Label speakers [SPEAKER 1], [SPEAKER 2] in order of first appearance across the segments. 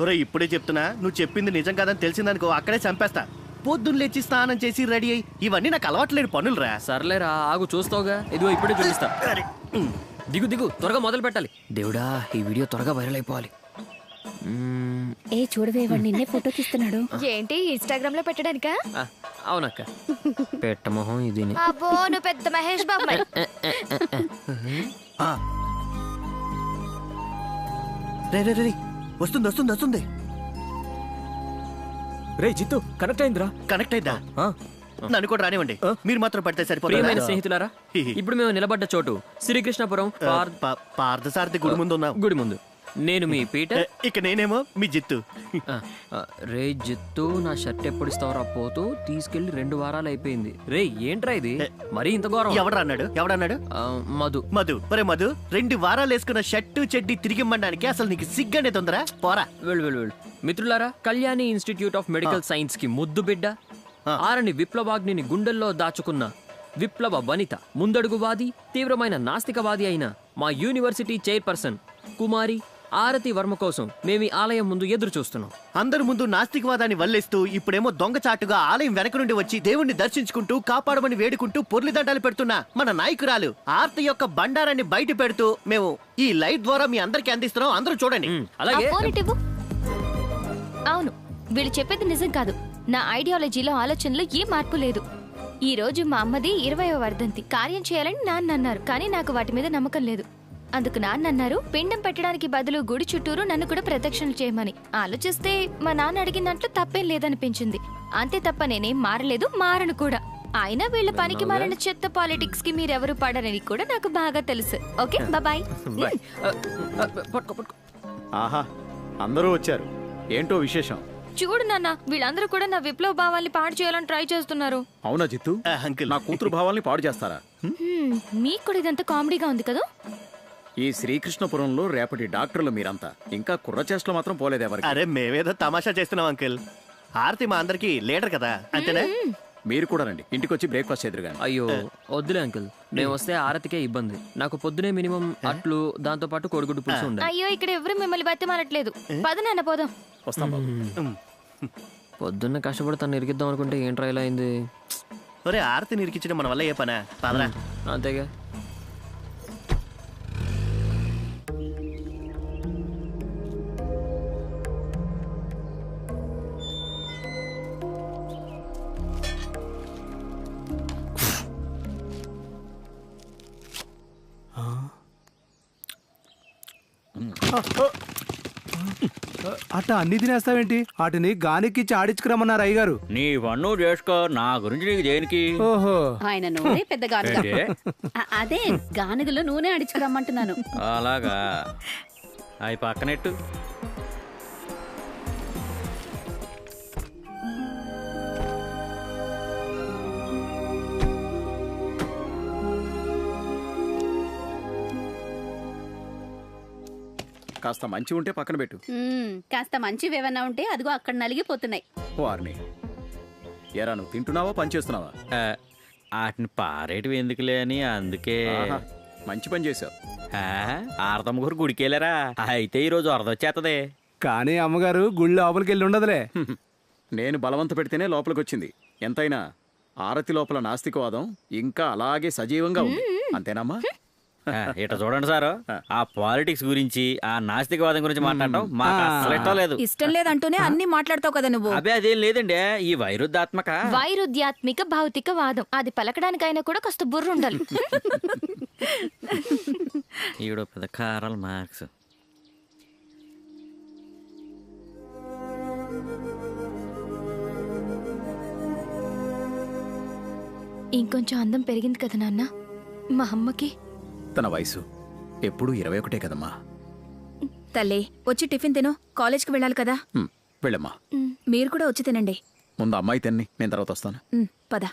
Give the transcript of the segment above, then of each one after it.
[SPEAKER 1] ఒరే ఇప్పుడే చెప్తున్నా, నువ్వు చెప్పింది నిజం కాదని తెలిసిందనుకో అక్కడే చంపేస్తా. పొద్దున్న లేచి స్నానం చేసి రెడీ అయ్యి ఇవన్నీ నాకు అలవాట్లేని పనులు రా.
[SPEAKER 2] సర్లేరా, ఆగు చూస్తావుగా, ఇదిగో ఇప్పుడే చూపిస్తా. దిగు దిగు, త్వరగా మొదలు పెట్టాలి. దేవుడా, ఈ వీడియో త్వరగా వైరల్ అయిపోవాలి.
[SPEAKER 3] ఏ చూడవే, వాడు నిన్నే ఫోటో తీస్తున్నాడు.
[SPEAKER 4] ఏంటి ఇన్స్టాగ్రామ్ లో పెట్టడానికా?
[SPEAKER 2] అవునక్క, పెట్టమోహం ఇది.
[SPEAKER 4] అబ్బో, నువ్వు పెద్ద మహేష్ బాబు మరి.
[SPEAKER 1] రే వస్తుంది వస్తుంది వస్తుంది.
[SPEAKER 2] రే జిత్తు, కనెక్ట్ అయిందిరా.
[SPEAKER 1] కనెక్ట్ అయిందా? నన్ను కూడా రానివ్వండి, మీరు మాత్రం పడితే
[SPEAKER 2] ప్రియమైన
[SPEAKER 1] సరిపోతుంది.
[SPEAKER 2] స్నేహితులారా, ఇప్పుడు మేము నిలబడ్డ చోటు శ్రీకృష్ణపురం
[SPEAKER 1] పార్థసారథి గుడి ముందు ఉన్నాం.
[SPEAKER 2] గుడి ముందు. నేను మీ పీటర్.
[SPEAKER 1] ఇక నేనేమో మీ జిత్తు.
[SPEAKER 2] రే జిత్తు, నా షర్ట్ ఎప్పుడు ఇస్తావరా? పోతూ తీసుకెళ్లి 2 వారాలు అయిపోయింది. రే ఏంట్రా ఇది, మరీ ఇంత ఘోరం.
[SPEAKER 1] ఎవడన్నాడు?
[SPEAKER 2] మధు.
[SPEAKER 1] మధు 2 వారాలు వేసుకున్న షర్టు చెడ్డి తిరిగిమ్మడానికి అసలు నీకు సిగ్గనే తొందర? పోరా.
[SPEAKER 2] వెళ్ళు. మిత్రులారా, Kalyani institute of medical science కి ముద్దు బిడ్డ, ఆరని విప్లవాగ్నిని గుండెల్లో దాచుకున్న విప్లవ వనిత, ముందడుగువాది, తీవ్రమైన నాస్తికవాది అయిన మా యూనివర్సిటీ చైర్పర్సన్ కుమారి ఆరతి వర్మ కోసం మేము ఆలయం ముందు ఎదురు చూస్తున్నాం.
[SPEAKER 1] అందరి ముందు నాస్తికవాదాన్ని వల్లేస్తూ ఇప్పుడేమో దొంగచాటుగా ఆలయం వెనక నుండి వచ్చి దేవుణ్ణి దర్శించుకుంటూ కాపాడమని వేడుకుంటూ పొర్లిదండాలు పెడుతున్న మన నాయకురాలు ఆరతి యొక్క బండారాన్ని బయట పెడుతూ మేము ఈ లైవ్ ద్వారా మీ అందరికి అందిస్తున్నాం. అందరూ చూడండి.
[SPEAKER 2] అలాగే.
[SPEAKER 4] అవును, వీళ్ళు చెప్పేది నిజం కాదు. నా ఐడియాలజీలో ఆలోచనలో ఏ మార్పు లేదు. ఈ రోజు మా అమ్మది 20వ వర్ధంతి. కార్యం చేయాలని నాన్న అన్నారు, కానీ నాకు వాటి మీద నమ్మకం లేదు. అందుకు నాన్న అన్నారు, పిండం పెట్టడానికి బదులు గుడి చుట్టూరు నన్ను కూడా ప్రదక్షిణలు చేయమని. ఆలోచిస్తే మా నాన్న అడిగిన దాంట్లో తప్పేం లేదనిపించింది. అంతే తప్ప నేనేం మారలేదు, మారను కూడా. అయినా వీళ్ళ పనికి మారిన చెత్త పాలిటిక్స్ కి మీరెవరు పడరని కూడా నాకు బాగా తెలుసు. Okay, bye.
[SPEAKER 5] ఆహా, అందరూ వచ్చారు. ఏంటో విశేషం?
[SPEAKER 4] చూడు నాన్న, వీళ్ళందరూ కూడా నా విప్లవ భావాల్ని పాడు చేయాలని ట్రై చేస్తున్నారు.
[SPEAKER 5] అవునా జిత్తు? నా కూతురు భావాల్ని పాడు చేస్తారా?
[SPEAKER 4] మీకు కూడా ఇదంతా కామెడీగా ఉంది కదా?
[SPEAKER 5] ఈ శ్రీకృష్ణపురంలో రేపటి డాక్టర్లు మీరంతా. ఇంకా కుర్ర చేష్టలు మాత్రం పోలేదు ఎవరికి.
[SPEAKER 1] అరే మేమేదో తమాషా చేస్తున్నాం అంకిల్. ఆరతి మా అందరికి లీడర్ కదా, అంతేనా?
[SPEAKER 5] మీరు కూడా రండి, ఇంటికి వచ్చి బ్రేక్ఫాస్ట్ ఎదురుగాని.
[SPEAKER 2] అయ్యో వద్దులే అంకుల్, మేము వస్తే ఆరతికే ఇబ్బంది. నాకు పొద్దునే మినిమం అట్లు, దాంతో పాటు కోడిగుడ్డు పులుసు ఉండాలి.
[SPEAKER 4] అయ్యో, ఇక్కడ ఎవరు మిమ్మల్ని బతిమాలట్లేదు. పద నాన్న, పోదాం.
[SPEAKER 5] వస్తాం బాబు.
[SPEAKER 2] పొద్దున్న కష్టపడి తను ఇరికిద్దాం అనుకుంటే ఏంట్రా ఇలా అయింది?
[SPEAKER 1] ఒరే ఆరతి నిరికించడం మన వల్ల ఏ పనా? పదరా.
[SPEAKER 2] అంతేగా.
[SPEAKER 6] అట్ట అన్ని తినేస్తావేంటి? వాటిని గానికిచ్చి ఆడించుకురమ్మన్నారు అయ్యగారు.
[SPEAKER 7] నీ పన్ను చేసుకో, నా గురించి నీకు దేనికి?
[SPEAKER 6] ఓహో,
[SPEAKER 3] ఆయన నూనె పెద్ద గానుగ. అదే గానుగలో నూనె ఆడించుకురమ్మంటున్నాను.
[SPEAKER 7] అలాగా, అవి పక్కనెట్టు.
[SPEAKER 5] కాస్త మంచి ఉంటే పక్కన పెట్టు.
[SPEAKER 3] కాస్త మంచివేవన్నా ఉంటే అదిగో అక్కడ నలిగిపోతున్నాయి.
[SPEAKER 5] వారిని ఎరా, నువ్వు తింటున్నావా పని చేస్తున్నావా?
[SPEAKER 7] వాటిని పారేటివి ఎందుకులే అని, అందుకే.
[SPEAKER 5] మంచి పని చేసావు.
[SPEAKER 7] ఆరతమ్మ గారు గుడికెళ్ళారా? అయితే ఈరోజు అరదొచ్చేస్తదే.
[SPEAKER 6] కానీ అమ్మగారు గుళ్ళో లోపలికి వెళ్ళి ఉండదులే.
[SPEAKER 5] నేను బలవంత పెడితేనే లోపలికి వచ్చింది. ఎంతైనా ఆరతి లోపల నాస్తికవాదం ఇంకా అలాగే సజీవంగా ఉంది. అంతేనమ్మా?
[SPEAKER 7] ఇట చూడండి సారు, ఆ పాలిటిక్స్ గురించి, ఆ నాస్తికవాదం గురించి మాట్లాడటం మాకు అసలు ఇష్టం లేదు.
[SPEAKER 3] ఇష్టం లేదంటూనే అన్ని మాట్లాడతావు కదా నువ్వు.
[SPEAKER 7] అదే అదేం లేదండి, ఈ
[SPEAKER 4] వైరుధ్యాత్మిక భౌతిక వాదం, అది పలకడానికైనా కూడా కాస్త బుర్ర ఉండాలి.
[SPEAKER 7] ఈవిడ పెద్ద కారాల మార్క్స్.
[SPEAKER 4] ఇంకొంచెం అందం పెరిగింది కదా నాన్న మా అమ్మకి.
[SPEAKER 5] తన వయసు ఎప్పుడు 21 కదమ్మా.
[SPEAKER 3] తల్లి, వచ్చి టిఫిన్ తిను, కాలేజ్కి వెళ్ళాలి కదా.
[SPEAKER 5] వెళ్ళమ్మా.
[SPEAKER 3] మీరు కూడా వచ్చి తినండి.
[SPEAKER 5] ముందు అమ్మాయి తిన్ని, నేను తర్వాత వస్తాను.
[SPEAKER 3] పద.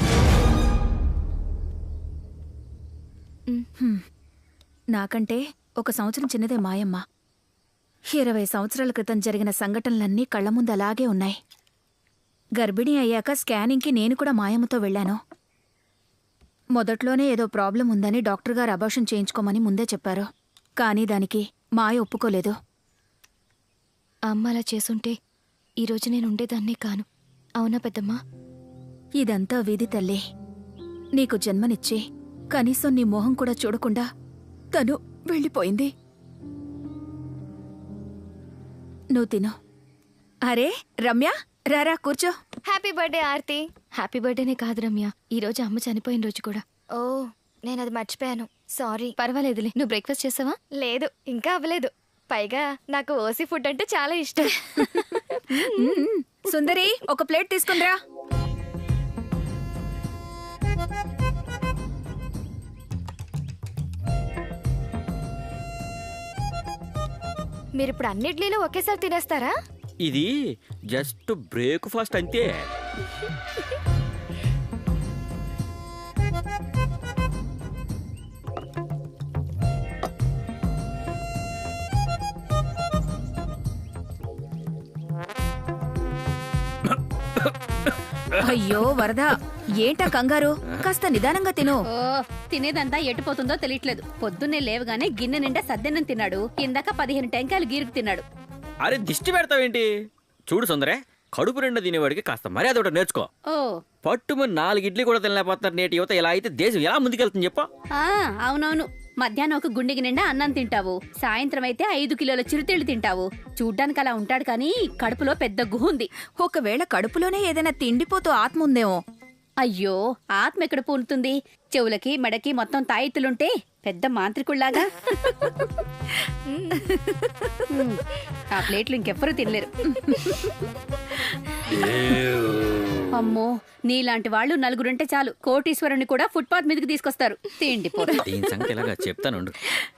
[SPEAKER 3] నాకంటే
[SPEAKER 8] 1 సంవత్సరం చిన్నదే మాయమ్మ. 20 సంవత్సరాల క్రితం జరిగిన సంఘటనలన్నీ కళ్ల ముందు అలాగే ఉన్నాయి. గర్భిణీ అయ్యాక స్కానింగ్కి నేను కూడా మాయమ్మతో వెళ్ళాను. మొదట్లోనే ఏదో ప్రాబ్లం ఉందని డాక్టర్ గారు అబార్షన్ చేయించుకోమని ముందే చెప్పారు. కానీ దానికి మాయ ఒప్పుకోలేదు.
[SPEAKER 4] అమ్మ అలా చేసుంటే ఈరోజు నేను ఉండేదాన్నే కాను. అవునా పెద్దమ్మా?
[SPEAKER 8] ఇదంతా విధి తల్లి. నీకు జన్మనిచ్చి కనీసం నీ మొహం కూడా చూడకుండా తను వెళ్ళిపోయింది. నువ్వు తిను. అరే రమ్య, రారా కూర్చో.
[SPEAKER 4] Happy birthday Aarti. హ్యాపీ బర్త్డేనే కాదు రమ్య, ఈ రోజు అమ్మ చనిపోయిన రోజు కూడా.
[SPEAKER 9] ఓ, నేను అది మర్చిపోయాను. సారీ.
[SPEAKER 4] పర్వాలేదులే. నువ్వు బ్రేక్ఫాస్ట్ చేసావా?
[SPEAKER 9] లేదు, ఇంకా అవ్వలేదు. పైగా నాకు ఓసీ ఫుడ్ అంటే చాలా ఇష్టం.
[SPEAKER 8] సుందరి, ఒక ప్లేట్ తీసుకుందిరా.
[SPEAKER 9] మీరిప్పుడు అన్ని ఇడ్లీలు ఒకేసారి తినేస్తారా?
[SPEAKER 7] ఇది జస్ట్ బ్రేక్ఫాస్ట్ అంతే.
[SPEAKER 8] అయ్యో వరద, ఏంటా కంగారు? కాస్త నిదానంగా తిను.
[SPEAKER 3] ఓ, తినేదంతా ఎటుపోతుందో తెలియట్లేదు. పొద్దున్నే లేవగానే గిన్నె నిండా సద్దెన్నం తిన్నాడు. కిందాక 15 టెంకాయలు గీరుకు తిన్నాడు.
[SPEAKER 7] అరే దిష్టి పెడతావేంటి? చూడు సుందరే, కడుపు నిండా తినేవాడికి కాస్త మర్యాద ఒకటి నేర్చుకో.
[SPEAKER 3] ఓ,
[SPEAKER 7] పట్టుమని 4 ఇడ్లీ కూడా తినలేకపోతున్నారు నేటి యువత. ఇలా అయితే దేశం ఎలా ముందుకెళ్తుంది చెప్పు?
[SPEAKER 3] అవునవును. మధ్యాహ్నం ఒక గుండెకి నిండా అన్నం తింటావు. సాయంత్రం అయితే 5 కిలోల చిరుతిళ్ళు తింటావు. చూడ్డానికి అలా ఉంటాడు కానీ కడుపులో పెద్ద గుహ ఉంది.
[SPEAKER 8] ఒకవేళ కడుపులోనే ఏదైనా తిండిపోతూ ఆత్మ ఉందేమో.
[SPEAKER 3] అయ్యో, ఆత్మ ఎక్కడ పూనుతుంది? చెవులకి మెడకి మొత్తం తాయిత్తులుంటే పెద్ద మాంత్రికుళ్లాగా. ఆ ప్లేట్లు ఇంకెవ్వరూ తినలేరు. అమ్మో, నీలాంటి వాళ్ళు నలుగురుంటే చాలు, కోటీశ్వరుని కూడా ఫుట్పాత్ మీదకి తీసుకొస్తారు. తిండిపోతు.
[SPEAKER 7] దీని సంగతి ఇలాగా చెప్తాను.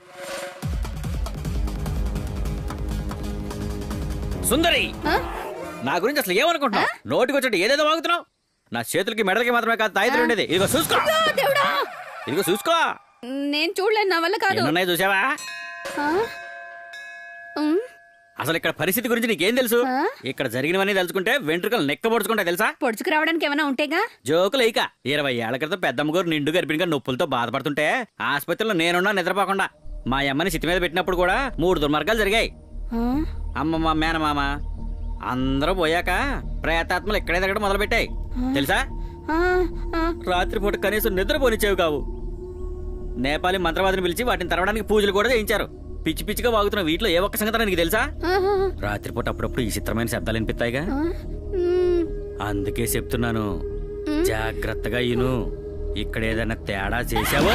[SPEAKER 7] సుందరి, నా గురించి అసలు ఏమనుకుంటున్నావు? నోటికొచ్చి ఏదేదో వాగుతున్నావు. నా చేతులకి మెడలకి మాత్రమే కాదు తాయితులు ఉండేది. ఇదిగో చూసుకో, ఇదిగో చూసుకో.
[SPEAKER 3] నేను చూడలేను, నా వల్ల కాదు.
[SPEAKER 7] ఎన్నున్నాయి చూసావా? అసలు ఇక్కడ పరిస్థితి గురించి నీకేం తెలుసు? ఇక్కడ జరిగినవన్నీ తెలుసుకుంటే వెంట్రుకలు నెక్క పొడుచుకుంటా తెలుసా?
[SPEAKER 3] పొడుచుకు రావడానికి ఏమైనా ఉంటేగా.
[SPEAKER 7] జోకులు ఇక 20 ఏళ్ల క్రితం పెద్దమ్మగారు నిండు గర్భిణిగా నొప్పులతో బాధపడుతుంటే ఆసుపత్రిలో నేనున్నా నిద్రపోకుండా మా అమ్మని సిట్టి మీద పెట్టినప్పుడు కూడా 3 దుర్మార్గాలు జరిగాయి. అమ్మమ్మ, మేనమామ అందరూ పోయాక ప్రేతాత్మలు ఇక్కడే దగ్గర మొదలు పెట్టాయి తెలుసా? రాత్రిపూట కనీసం నిద్రపోనిచ్చేవి కావు. నేపాలీ మంత్రవాదిని పిలిచి వాటిని తరవడానికి పూజలు కూడా చేయించారు. పిచ్చి పిచ్చిగా వాగుతున్న వీటిలో ఏ ఒక్క సంగతి నీకు తెలుసా? రాత్రిపూట అప్పుడప్పుడు ఈ చిత్రమైన శబ్దాలు వినిపిస్తాయిగా. అందుకే చెప్తున్నాను, జాగ్రత్తగా ఇను. ఇక్కడ ఏదైనా తేడా చేసావో.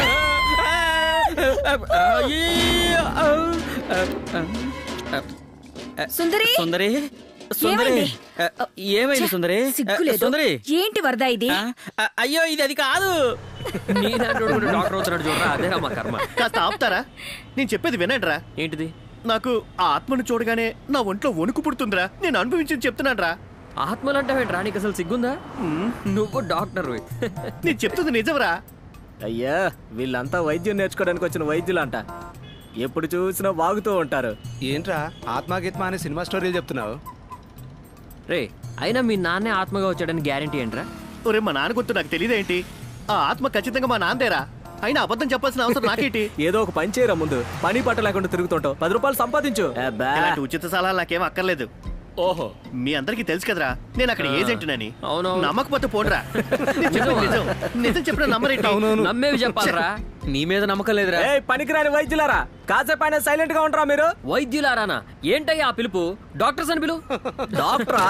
[SPEAKER 8] సుందరి,
[SPEAKER 7] సుందరి, సుందరి, ఏమైంది సుందరి? సుందరి,
[SPEAKER 8] ఏంటి వరద ఇది?
[SPEAKER 7] అయ్యో, ఇది అది కాదు.
[SPEAKER 2] డాక్టర్ అవుతున్నాడు చూడరా, అదేరా మా కర్మ.
[SPEAKER 1] కాస్త ఆపుతారా? నేను చెప్పేది వినండిరా.
[SPEAKER 2] ఏంటిది?
[SPEAKER 1] నాకు ఆ ఆత్మను చూడగానే నా ఒంట్లో వణుకు పుడుతుందిరా. నేను అనుభవించింది చెప్తున్నానురా.
[SPEAKER 2] ఆత్మలంటావేంట్రా? నీకు అసలు సిగ్గుందా? నువ్వు డాక్టర్.
[SPEAKER 1] నేను చెప్తుంది నిజంరా.
[SPEAKER 10] అయ్యా, వీళ్ళంతా వైద్యం నేర్చుకోవడానికి వచ్చిన వైద్యులంట. ఎప్పుడు చూసినా వాగుతూ ఉంటారు.
[SPEAKER 6] ఏంట్రా ఆత్మగీత్మ అనే సినిమా స్టోరీలు చెప్తున్నావు?
[SPEAKER 2] రే, అయినా మీ నాన్నే ఆత్మగా వచ్చాడని గ్యారంటీ ఏంట్రా?
[SPEAKER 1] ఒరే, మా నాన్న గుర్తు నాకు తెలియదేంటి? ఆ ఆత్మ ఖచ్చితంగా మా నాన్నదేరా. అయినా అబద్ధం చెప్పాల్సిన అవసరం నాకేంటి?
[SPEAKER 10] ఏదో ఒక పని చేయరా, ముందు పని పట్ట లేకుండా తిరుగుతుంటావు. 10 రూపాయలు సంపాదించు.
[SPEAKER 1] ఇలాంటి ఉచిత సలహాలు నాకేం అక్కర్లేదు.
[SPEAKER 10] ఓహో,
[SPEAKER 1] మీ అందరికి తెలుసు కదరా, నేను అక్కడ ఏజెంట్నని.
[SPEAKER 2] అవునవును.
[SPEAKER 1] నమ్మకపోతే పోడ్రా. నిజం చెప్పిన నమ్మరేంటి?
[SPEAKER 2] నమ్మేవి చెప్పాలరా.
[SPEAKER 10] నీ మీద నమ్మకం లేదురా. పనికిరాని వైద్యులారా, కాసేపైనా సైలెంట్ గా ఉంటారా మీరు?
[SPEAKER 2] వైద్యులారానా? ఏంటయ్యా ఆ పిలుపు? డాక్టర్స్ అని పిలు.
[SPEAKER 10] డాక్టరా?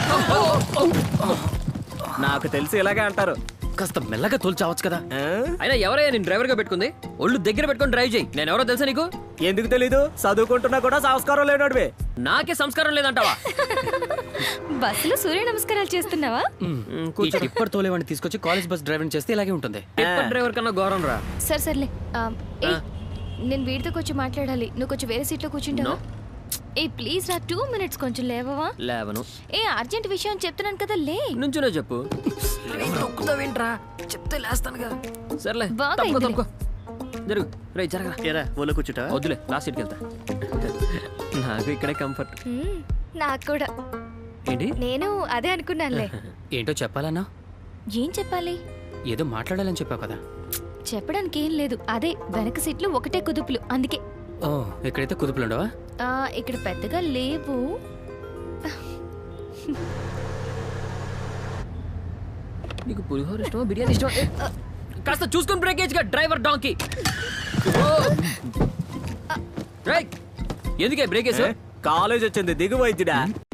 [SPEAKER 10] నాకు తెలిసి ఇలాగే అంటారు.
[SPEAKER 2] కాస్త మెల్లగా తోల్చావచ్చు కదా. అయినా ఎవరయ్యా నేను డ్రైవర్ గా పెట్టుకుంది? ఒళ్ళు దగ్గర పెట్టుకొని డ్రైవ్ చేయి. నేను ఎవరో తెలుసా నీకు?
[SPEAKER 10] ఎందుకు తెలీదు? చదువుకుంటున్నా కూడా సంస్కారం లేనోడివే.
[SPEAKER 2] నాకే సంస్కారం లేదంటావా?
[SPEAKER 4] బస్సులో సూర్య నమస్కారాలు చేస్తున్నావా?
[SPEAKER 10] ఇప్పటి తోలేవాడిని తీసుకొచ్చి కాలేజ్ బస్ డ్రైవింగ్ చేస్తే ఇలాగే ఉంటుంది.
[SPEAKER 2] టిప్పర్ డ్రైవర్ కన్నా ఘోరం రా.
[SPEAKER 4] సర్లే. నేను వీడితో కొంచెం మాట్లాడాలి. నువ్వు కొంచెం వేరే సీట్లో కూర్చుంటావా? ఏ ప్లీజ్ రా, 2 minutes కొంచెం లేవవా?
[SPEAKER 2] లేవను.
[SPEAKER 4] ఏ అర్జెంట్ విషయం చెప్తున్నాను కదా, లే.
[SPEAKER 2] నుంచునే చెప్పు. చెప్తే లేస్తానుగా. సర్లే,
[SPEAKER 4] బాగా
[SPEAKER 2] తప్పుకో, తప్పుకో. జరుగు రే జరగరా
[SPEAKER 1] ఏరా ఓలో కూర్చుంటా
[SPEAKER 2] వద్దులే లాస్ట్ సీట్కి వెళ్తా నాకు ఇక్కడే కంఫర్ట్
[SPEAKER 9] నాకు కూడా.
[SPEAKER 2] ఏంటి
[SPEAKER 9] నేను అదే అనుకున్నానులే.
[SPEAKER 11] ఏంటో చెప్పాలన్నా?
[SPEAKER 4] ఏం చెప్పాలి?
[SPEAKER 11] ఏదో మాట్లాడాలని చెప్పావు కదా.
[SPEAKER 4] చెప్పడానికి ఏం లేదు, అదే వెనక సీట్లు ఒకటే కుదుపులు, అందుకే.
[SPEAKER 11] ఓ, ఇక్కడైతే కుదుపులుండవా?
[SPEAKER 4] ఇక్కడ పెద్దగా లేవు.
[SPEAKER 2] నీకు పులిహోర ఇష్టమా బిర్యానీ ఇష్టమా? కాస్త చూసుకుని బ్రేకేజ్ గా డ్రైవర్ డాంకీ. ఎందుకే బ్రేకేజ్?
[SPEAKER 10] కాలేజ్ వచ్చింది దిగు వైద్యుడా.